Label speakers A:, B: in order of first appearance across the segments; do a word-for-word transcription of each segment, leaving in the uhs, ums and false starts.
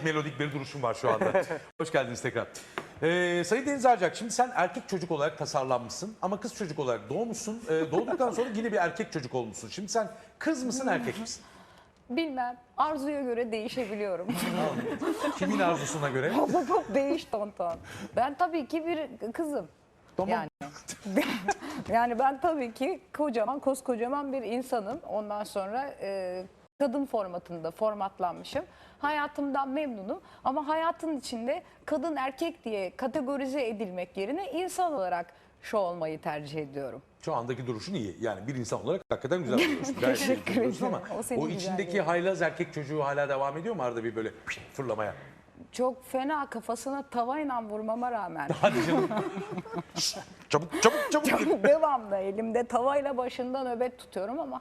A: melodik bir duruşum var şu anda. Hoş geldiniz tekrar. Ee, Sayın Deniz Arcak, şimdi sen erkek çocuk olarak tasarlanmışsın ama kız çocuk olarak doğmuşsun. Ee, doğduktan sonra yine bir erkek çocuk olmuşsun. Şimdi sen kız mısın, erkek misin?
B: Bilmem. Arzuya göre değişebiliyorum.
A: Kimin arzusuna göre?
B: Değiş tonton. Ben tabii ki bir kızım.
A: Tamam.
B: Yani, yani ben tabii ki kocaman, koskocaman bir insanım. Ondan sonra e, kadın formatında formatlanmışım. Hayatımdan memnunum ama hayatın içinde kadın erkek diye kategorize edilmek yerine insan olarak şu olmayı tercih ediyorum.
A: Şu andaki duruşun iyi. Yani bir insan olarak hakikaten güzel duruyorsun. Gayet iyi
B: Teşekkür
A: duruyorsun ama
B: ederim. O senin
A: o içindeki
B: güzelliğin.
A: haylaz erkek çocuğu hala devam ediyor mu arada bir böyle fırlamaya?
B: Çok fena kafasına tavayla vurmama rağmen
A: Hadi canım. Şşt, çabuk çabuk çabuk.
B: devamlı elimde tavayla başında nöbet tutuyorum ama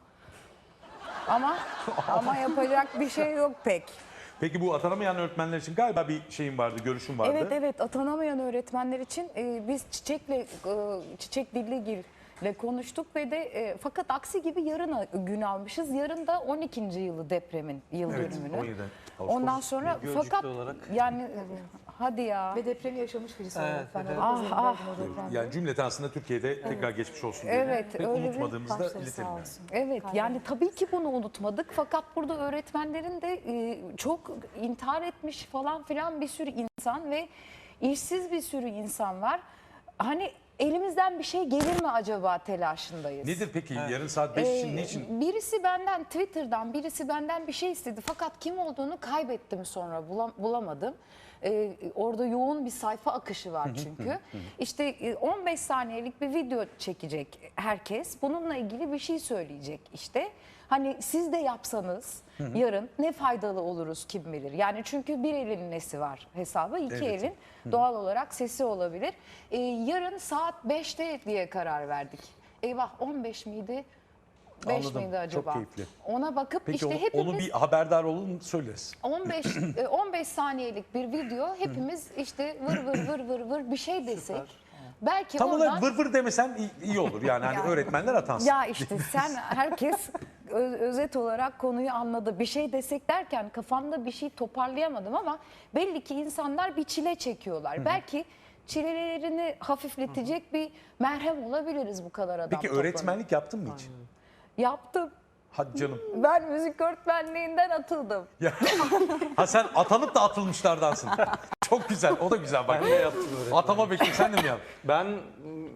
B: ama ama yapacak bir şey yok pek.
A: Peki bu atanamayan öğretmenler için galiba bir şeyin vardı, görüşün vardı.
B: Evet evet atanamayan öğretmenler için e, biz Çiçek'le e, Çiçek Dilligil ile konuştuk ve de e, fakat aksi gibi yarına gün almışız. Yarın da on ikinci yılı depremin yıl
A: Evet,
B: dönümünü.
A: on yedi Ağustos.
B: Ondan sonra
C: Gölcük'te
B: fakat
C: olarak.
B: yani e, hadi ya.
D: Ve depremi yaşamış birisi
C: Evet,
D: olarak ben
C: evet.
D: orada
B: Ah,
D: zengin
B: ah.
D: oldum o depremde.
A: Yani cümleten aslında Türkiye'de tekrar geçmiş olsun diye.
B: Evet,
A: Ve
B: öyle bir
A: unutmadığımızda
D: Başları
A: iletelim.
D: sağ
A: yani.
D: olsun.
B: Evet
D: Kalbim.
B: yani tabii ki bunu unutmadık fakat burada öğretmenlerin de e, çok intihar etmiş falan filan bir sürü insan ve işsiz bir sürü insan var. Hani elimizden bir şey gelir mi acaba telaşındayız.
A: Nedir peki yarın saat beş için
B: Ee,
A: niçin?
B: Birisi benden Twitter'dan birisi benden bir şey istedi fakat kim olduğunu kaybettim sonra bulam- bulamadım. Ee, orada yoğun bir sayfa akışı var çünkü. İşte e, on beş saniyelik bir video çekecek herkes. Bununla ilgili bir şey söyleyecek işte. Hani siz de yapsanız yarın ne faydalı oluruz kim bilir. Yani çünkü bir elin nesi var hesabı, iki
A: Evet.
B: elin doğal olarak sesi olabilir. Ee, yarın saat beşte diye karar verdik. Eyvah on beş miydi? beş
A: Anladım.
B: miydi
A: Çok
B: acaba?
A: keyifli.
B: Ona bakıp
A: Peki
B: işte
A: onu,
B: hepimiz
A: onu bir haberdar olun söyleriz.
B: on beş e, on beş saniyelik bir video hepimiz işte vır vır vır vır vır bir şey desek belki
A: Tam
B: oradan
A: olarak vır vır demesen iyi, iyi olur yani hani
B: Yani-
A: öğretmenler atansın.
B: ya işte sen herkes ö- özet olarak konuyu anladı. Bir şey desek derken kafamda bir şey toparlayamadım ama belli ki insanlar bir çile çekiyorlar. Belki çilelerini hafifletecek bir merhem olabiliriz bu kadar adam
A: Peki
B: toplanıp.
A: öğretmenlik yaptın mı hiç?
B: Yaptım.
A: Hadi canım.
B: Ben müzik öğretmenliğinden atıldım.
A: Ya. Ha sen atanıp da atılmışlardansın. Çok güzel. O da güzel bak.
C: Ben de yaptım öğretmenlik.
A: Atama bekle sen de mi yaptın?
C: Ben m,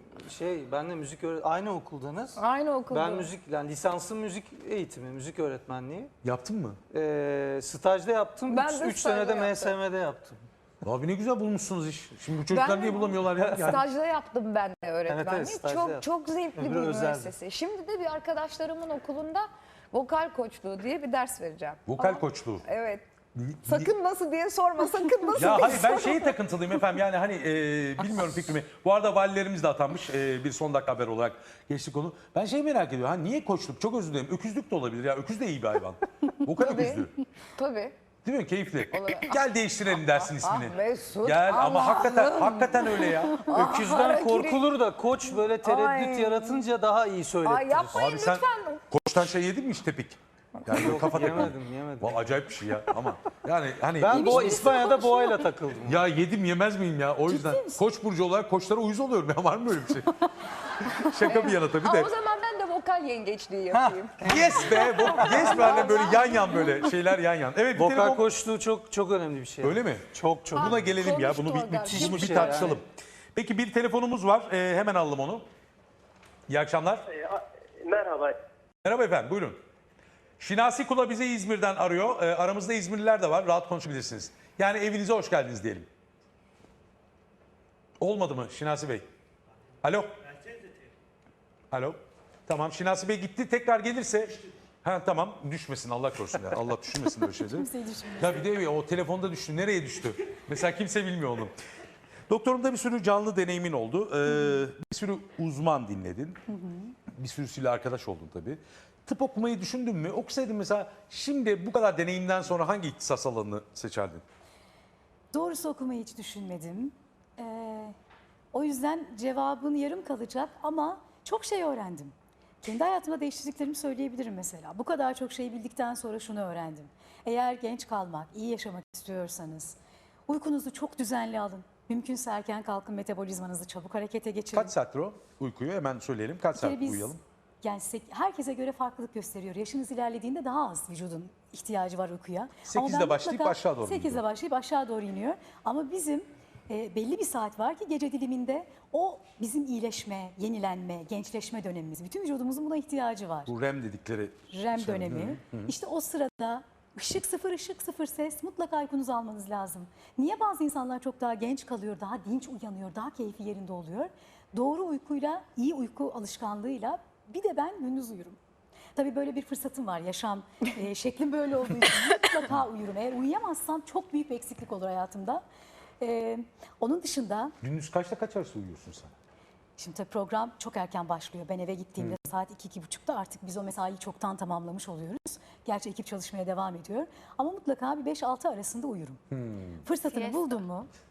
C: şey, ben de müzik öğret aynı okuldanız.
B: Aynı okulda.
C: Ben müzik, yani lisanslı müzik eğitimi, müzik öğretmenliği.
A: Yaptın mı?
C: Ee, stajda yaptım.
B: Ben
C: üç
B: de
C: üç
B: stajda
C: senede
B: yaptım.
C: M S M'de yaptım.
A: Abi ne güzel bulmuşsunuz iş. Şimdi bu çocuklar
B: Ben-
A: niye bulamıyorlar ya? Yani.
B: Stajda yaptım ben de öğretmenliği.
C: Evet, evet, stajda
B: çok
C: yaptım.
B: çok zevkli
C: Öbürü
B: bir
C: özeldi.
B: müessese. Şimdi de bir arkadaşlarımın okulunda vokal koçluğu diye bir ders vereceğim.
A: Vokal
B: Ama-
A: koçluğu.
B: Evet. Sakın nasıl diye sorma, sakın nasıl
A: Ya
B: diye
A: hayır ben
B: sorma.
A: şeyi takıntılıyım efendim yani hani e, bilmiyorum fikrimi. Bu arada valilerimiz de atanmış e, bir son dakika haber olarak geçtik konu. Ben şeyi merak ediyorum. Ha niye koçluk? Çok özür dilerim. Öküzlük de olabilir ya. Öküz de iyi bir hayvan. Vokal
B: Tabii.
A: öküzlüğü.
B: Tabii.
A: Değil mi? Keyifli.
B: Olabilir.
A: Gel değiştirelim dersin ismini.
B: Ah Mesut,
A: Gel ama
B: Allah'ım.
A: hakikaten hakikaten öyle ya.
C: Öküzden
B: harakiri.
C: korkulur da koç böyle tereddüt
B: Ay.
C: yaratınca daha iyi söylettirir.
B: Ay yapmayın
A: Abi sen
B: lütfen.
A: koçtan şey yedin mi hiç tepik? Yani böyle kafa takıldı.
C: Yemedim, yemedim.
A: Vay, acayip bir şey ya ama yani hani
C: Ben boğa,
B: birisini
C: İspanya'da boğayla takıldım.
A: ya yedim yemez miyim ya o yüzden koç burcu olarak koçlara uyuz oluyorum ya var mı böyle bir şey? Şaka bir yana tabii
B: Aa,
A: de.
B: o zaman ben de vokal yengeçliği yapayım.
A: Yes be, bu- yes be anne böyle yan yan böyle şeyler yan yan. Evet bir
C: Vokal
A: telefon-
C: koçluğu çok çok önemli bir şey.
A: Öyle mi?
C: Çok çok.
A: Buna gelelim ya bunu bir,
B: Konuştu
A: bir,
B: o
A: bunu
C: galiba.
A: bir
C: Şey
A: tartışalım.
C: yani.
A: Peki bir telefonumuz var Ee, hemen alalım onu. İyi akşamlar.
E: E, a- Merhaba.
A: Merhaba efendim buyurun. Şinasi Kula bize İzmir'den arıyor. Ee, aramızda İzmirliler de var. Rahat konuşabilirsiniz. Yani evinize hoş geldiniz diyelim. Olmadı mı Şinasi Bey? Alo. Alo. Tamam Şinasi Bey gitti. Tekrar gelirse... Ha tamam düşmesin Allah korusun ya. Allah düşürmesin böyle şeyleri.
D: Kimseyi düşünmüyorum.
A: Ya bir de o telefonda düştü. Nereye düştü? Mesela kimse bilmiyor onu. Doktorumda bir sürü canlı deneyimin oldu. Ee, bir sürü uzman dinledin. Bir sürüsüyle arkadaş oldun tabii. Tıp okumayı düşündün mü? Okusaydın mesela şimdi bu kadar deneyimden sonra hangi ihtisas alanını seçerdin?
D: Doğrusu okumayı hiç düşünmedim. Ee, o yüzden cevabın yarım kalacak ama çok şey öğrendim. Kendi hayatımda değiştirdiklerimi söyleyebilirim mesela. Bu kadar çok şey bildikten sonra şunu öğrendim. Eğer genç kalmak, iyi yaşamak istiyorsanız uykunuzu çok düzenli alın. Mümkünse erken kalkın, metabolizmanızı çabuk harekete geçirin.
A: Kaç saattir o uykuyu hemen söyleyelim. Kaç
D: Bir kere
A: saat
D: biz-
A: uyuyalım?
D: Yani sek- herkese göre farklılık gösteriyor. Yaşınız ilerlediğinde daha az vücudun ihtiyacı var uykuya. Ama
A: sekizde
D: ben
A: başlayıp
D: mutlaka
A: aşağı doğru mu
D: sekizde
A: gidiyor?
D: başlayıp aşağı doğru iniyor. Ama bizim e, belli bir saat var ki gece diliminde o bizim iyileşme, yenilenme, gençleşme dönemimiz. Bütün vücudumuzun buna ihtiyacı var.
A: Bu R E M dedikleri
D: R E M
A: şey.
D: dönemi. İşte o sırada ışık sıfır, ışık sıfır ses mutlaka uykunuzu almanız lazım. Niye bazı insanlar çok daha genç kalıyor, daha dinç uyanıyor, daha keyfi yerinde oluyor? Doğru uykuyla, iyi uyku alışkanlığıyla bir de ben gündüz uyurum. Tabii böyle bir fırsatım var. Yaşam e, şeklim böyle olduğu için mutlaka uyurum. Eğer uyuyamazsam çok büyük bir eksiklik olur hayatımda. E, onun dışında
A: Gündüz kaçta kaç arası uyuyorsun sen?
D: şimdi tabii program çok erken başlıyor. Ben eve gittiğimde saat iki iki buçukta artık biz o mesaiyi çoktan tamamlamış oluyoruz. Gerçi ekip çalışmaya devam ediyor. Ama mutlaka bir beş altı arasında uyurum. Fırsatını
B: Siesta.
D: buldum mu